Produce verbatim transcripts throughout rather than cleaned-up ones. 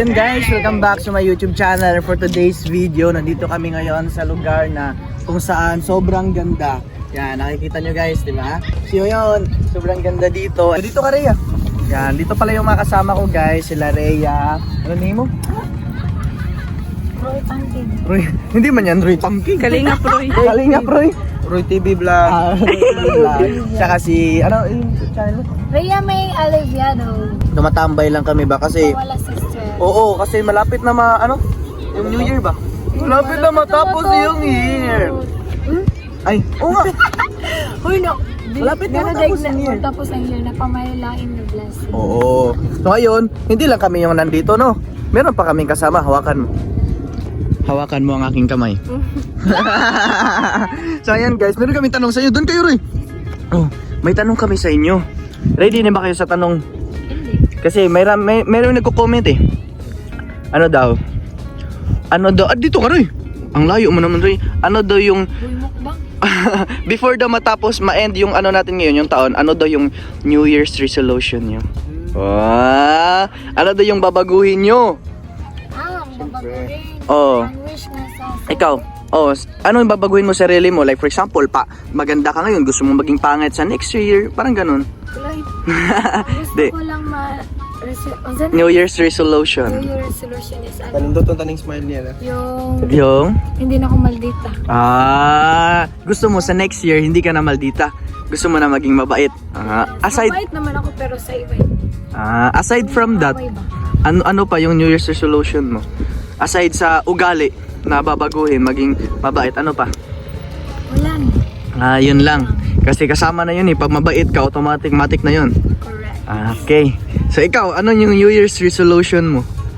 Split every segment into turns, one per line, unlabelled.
yun guys, welcome back sa my YouTube channel. For today's video, nandito kami ngayon sa lugar na kung saan sobrang ganda. Yan, nakikita nyo guys, di ba? So yun, sobrang ganda dito. Dito ka, Rhea. Yan, dito pala yung mga kasama ko guys, sila Rhea. Ano name mo?
Roy Pangking.
Roy, hindi man yan Roy Pangking.
Kalingap Roy.
Kalingap Roy.
Roy T V Vlog.
Ah, Roy T V Vlog. Tsaka si, ano yung channel mo?
Rhea May Aliviado.
Tumatambay lang kami ba kasi
Wala sister.
oo, kasi malapit na ma, ano? Yung New Year ba? Malapit na matapos yung year.
Hmm?
Ay, oo nga.
Uy, no.
Malapit na matapos ang year.
Tapos ang year na pamalain na blessing.
Oo. So ngayon, hindi lang kami yung nandito, no? Meron pa kaming kasama. Hawakan mo. Hawakan mo ang aking kamay. So ayan guys, meron kaming tanong sa inyo. Doon kayo, Roy. Oh, may tanong kami sa inyo. Ready na ba kayo sa tanong?
Hindi.
Kasi may, may meron nagko-comment eh. Ano daw? Ano daw? Ah, dito ka, Roy. Ang layo mo naman, Roy. Ano daw yung
Uy, mukbang.
before daw matapos ma-end yung ano natin ngayon, yung taon, ano daw yung New Year's resolution nyo? Ah, ano daw yung babaguhin nyo?
Ah, ang babaguhin.
Oo.
Ang wish nga sa...
Ikaw, oh, ano yung babaguhin mo sa sarili mo? Like for example, pa maganda ka ngayon, gusto mo maging pangit sa next year, parang ganun.
Tuloy.
Di.
Gusto ko lang ma... resi- ang san-
New Year's resolution.
New Year resolution is ano?
Panindot ang taning smile niya na.
Yung...
Yung
Hindi na ako maldita.
ah, gusto mo sa next year hindi ka na maldita. Gusto mo na maging mabait. Ah, aside
Mabait naman ako pero sa iba.
ah, aside from that,
Away ba?
ano ano pa yung New Year's resolution mo? Aside sa ugali na babaguhin, maging mabait, ano pa?
Wala na.
Ah, yun lang. Kasi kasama na yun eh. Pag mabait ka, automatic matic na yun.
Correct.
Ah, okay. So ikaw, ano yung New Year's resolution mo?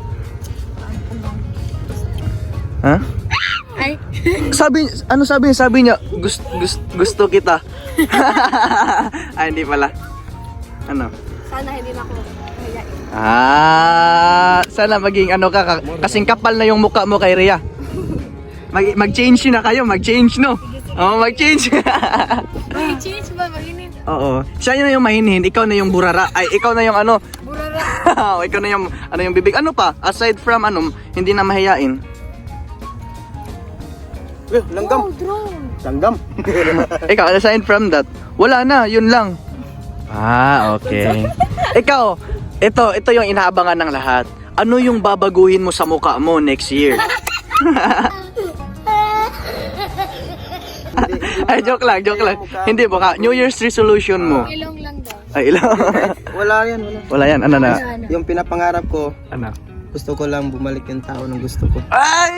Ha?
Ay.
Sabi, ano sabi niya? Sabi niya, gusto, gusto, gusto kita. Ay, hindi pala. Ano?
Sana hindi na ako mahiyain.
Ah, sana maging ano ka, ka kasing kapal na yung mukha mo kay Rhea. Mag mag-change na kayo, mag-change no. Oo, mag-change.
May change ba? Maginit.
Oo. Siya na yung mahinhin, ikaw na yung burara. Ay, ikaw na yung ano.
Burara.
ikaw na yung ano yung bibig. Ano pa? Aside from ano, hindi na mahiyain.
Eh, langgam.
Oh, drone.
Langgam.
Ikaw, aside from that, wala na, yun lang. Ah, okay. Ikaw, ito, ito yung inaabangan ng lahat. Ano yung babaguhin mo sa mukha mo next year? Ay, joke lang, joke lang. Hindi, baka New Year's resolution mo.
Ilong lang daw.
Ay, ilang.
Wala yan, wala.
Wala yan, ano na?
Ano?
Yung pinapangarap ko,
Ano?
gusto ko lang bumalik yung tao ng gusto ko.
Ay!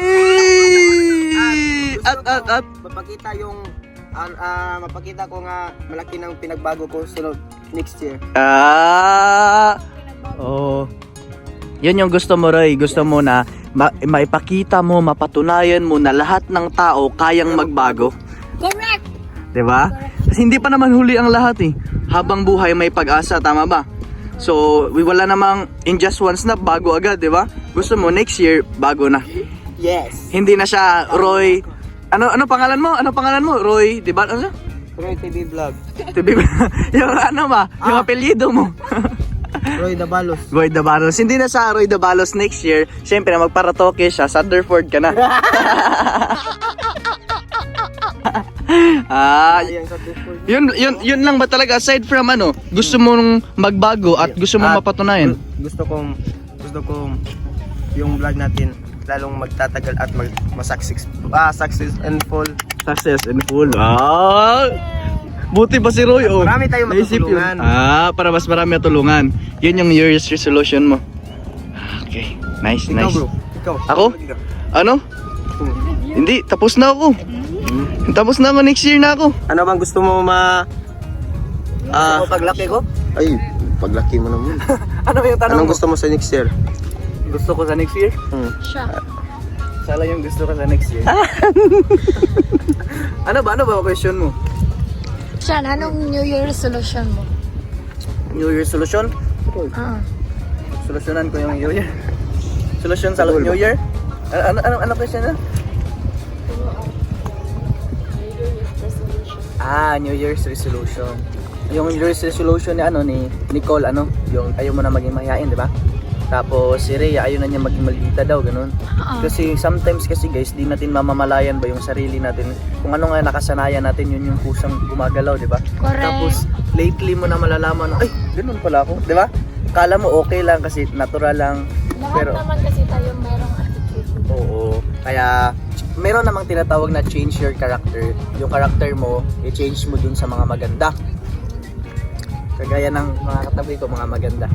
At, at, at.
Mapakita yung ah, ah, mapakita ko nga malaki ng pinagbago ko sunod next year.
Ah! Oh. Yun yung gusto mo, Roy. Gusto mo na ma maipakita mo, mapatunayan mo na lahat ng tao kayang magbago.
Correct.
'Di ba? Kasi hindi pa naman huli ang lahat eh. Habang buhay may pag-asa, tama ba? So, wala namang in just one snap bago agad, 'di ba? Gusto mo next year bago na.
Yes.
Hindi na siya Roy. Ano ano pangalan mo? Ano pangalan mo? Roy, 'di ba? Ano?
Roy T V Vlog.
T V yung ano ba? Yung apelyido mo.
Roy Dabalos.
Roy Dabalos. Hindi na sa Roy Dabalos next year. Siyempre, magparatoke siya. Sutherford ka na. ah,
Ayan sa Discord.
yun, yun, yun lang ba talaga? Aside from ano, gusto mong magbago at gusto mong
At
mapatunayan?
gu- Gusto kong gusto kong yung vlog natin lalong magtatagal at mag masaksis ah success and full.
Success and full. Ah, buti pa si Roy. Oh.
Marami tayong
Naisip yun.
matutulungan.
Ah, para mas marami matulungan. Yun yung New Year's resolution mo. Okay, nice,
Ikaw
nice.
bro. Ikaw.
Ako? Ano?
Hmm.
Hindi, tapos na ako. Tapos na ako, next year na ako.
Ano bang gusto mo ma ah
paglaki ko?
ay paglaki mo naman.
Ano yung tanong
Anong
mo?
gusto mo sa next year?
Gusto ko sa next year?
Hmm.
Siya.
Sala yung gusto ko sa next year. ano ba? Ano ba question mo?
Siya, anong New Year resolution mo?
New Year solution?
Ah.
Solusyonan ko yung New Year. Solution sa New Year? Ano ano ano question na? Ah, New Year's resolution. Yung New Year's resolution ni ano ni Nicole ano, yung ayaw mo na maging mahihain, di ba? Tapos si Rhea, ayaw na niya maging maldita daw, ganun.
Oo.
Kasi sometimes kasi guys, di natin mamamalayan ba yung sarili natin. Kung ano nga nakasanayan natin, yun yung kusang gumagalaw, di ba?
Correct.
Tapos lately mo na malalaman, ay, ganun pala ako, di ba? Kala mo okay lang kasi natural lang.
Lahat
Pero
naman kasi tayo merong attitude.
oo, kaya meron namang tinatawag na change your character. Yung character mo, i-change mo dun sa mga maganda. Kagaya ng mga katabi ko, mga maganda.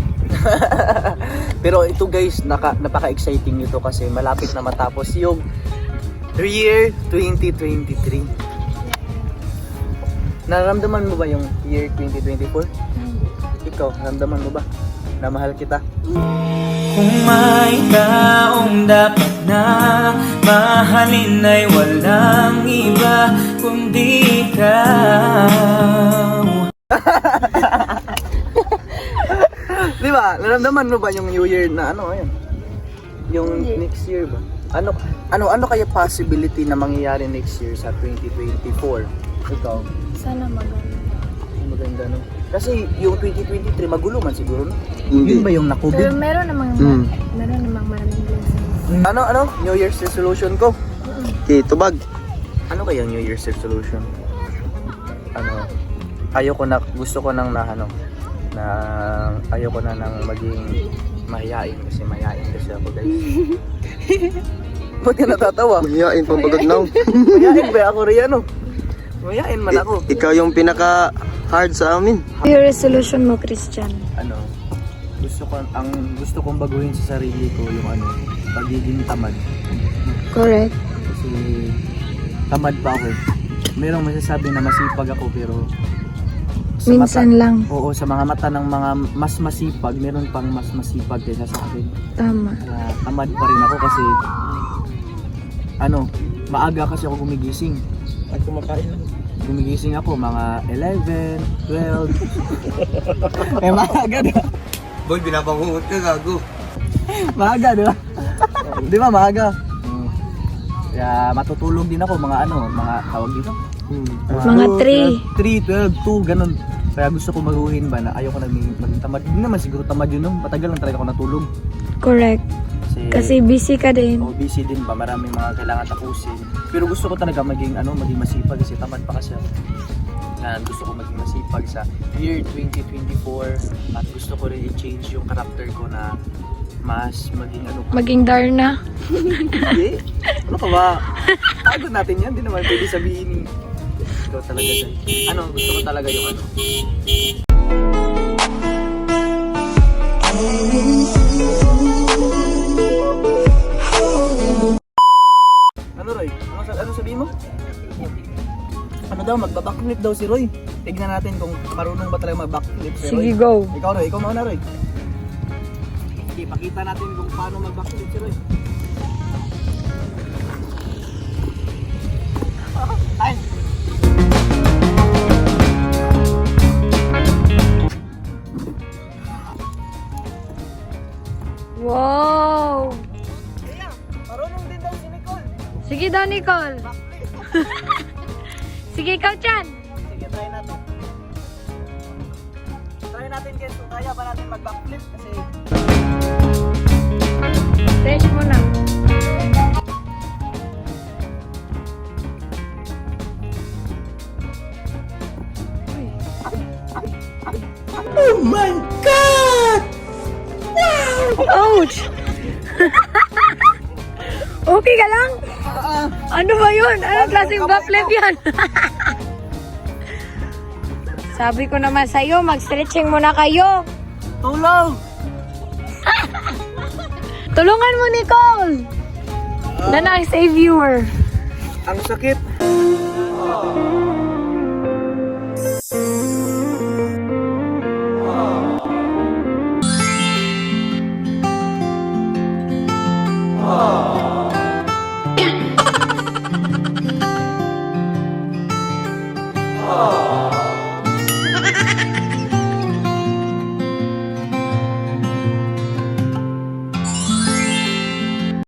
Pero ito guys, naka, napaka-exciting nito kasi malapit na matapos yung year twenty twenty-three. Nararamdaman mo ba yung year twenty twenty-four? Ikaw, naramdaman mo ba na mahal kita?
Kung may taong dapat na mahalin ay walang iba kundi ikaw.
Di ba? Naramdaman mo ba yung New Year na ano ayun? Yung
Hindi.
next year ba? Ano ano ano kaya possibility na mangyayari next year sa twenty twenty-four? Ikaw,
Sana maganda.
maganda no? Kasi yung twenty twenty-three magulo man siguro no?
Hindi.
Yun ba yung
Pero
na-COVID?
meron namang,
Mm.
meron namang maraming blessings.
Ano ano? New Year's resolution ko.
Okay, tubag.
Ano kaya New Year's resolution? Ano? Ayoko na gusto ko nang na ano na ayoko na nang maging mahihain kasi mahihain kasi ako guys. Ba't ka natatawa?
Mahihain pa pagod now.
Mahihain ba ako rin ano? Mahihain man ako.
I- ikaw yung pinaka hard sa amin.
Your resolution mo, Christian?
Ano? Gusto ko ang gusto kong baguhin sa sarili ko yung ano, pagiging tamad.
Correct.
Kasi tamad pa ako. eh. Merong masasabi na masipag ako pero sa
Minsan
mata-
lang.
Oo, sa mga mata ng mga mas masipag, meron pang mas masipag kaysa sa akin.
Tama.
Kaya tamad pa rin ako kasi ano, maaga kasi ako gumigising.
At kumakain lang.
Gumigising ako mga eleven, twelve. eh maaga di ba?
Boy, binabangungot ka, gago.
Maaga di ba? Di ba maaga? Kaya matutulog din ako mga ano, mga tawag dito.
Mga three.
three, twelve, two, ganun. Kaya gusto ko baguhin ba na ayoko na maging maging tamad. Hindi naman siguro tamad yun, no? Matagal lang talaga ako natulog.
Correct.
Kasi,
Kasi busy ka din.
oh, busy din ba, maraming mga kailangan tapusin. Pero gusto ko talaga maging ano, maging masipag kasi tamad pa kasi ako. Yan, gusto ko maging masipag sa year twenty twenty-four at gusto ko rin i-change yung character ko na mas maging ano.
Maging Darna.
Hindi. Ano ka ba? Pagod natin yan, hindi naman pwede sabihin. Ikaw talaga dyan. Ano, gusto ko talaga yung ano. Ano Roy? Ano, sa- ano sabihin mo? Ano daw, magbabackflip daw si Roy. Tignan natin kung marunong ba talaga mag-backflip si Roy.
Sige, go.
Ikaw Roy, ikaw mauna Roy. Sige, pakita natin kung paano mag-backflip si Roy. Ay!
Wow!
Kaya, marunong din daw si Nicole.
Sige daw, Nicole. Sige, ikaw, Chan.
Sige, try natin. Try natin guys kung kaya ba natin mag-backflip kasi
Stretch mo na.
Oh my God!
Ouch! Okay ka lang? Ano ba yun? Anong klaseng backflip yan? Sabi ko naman sa'yo, mag-stretching muna kayo.
tulong!
Tulungan mo, Nicole! Na na, save viewer.
Ang sakit.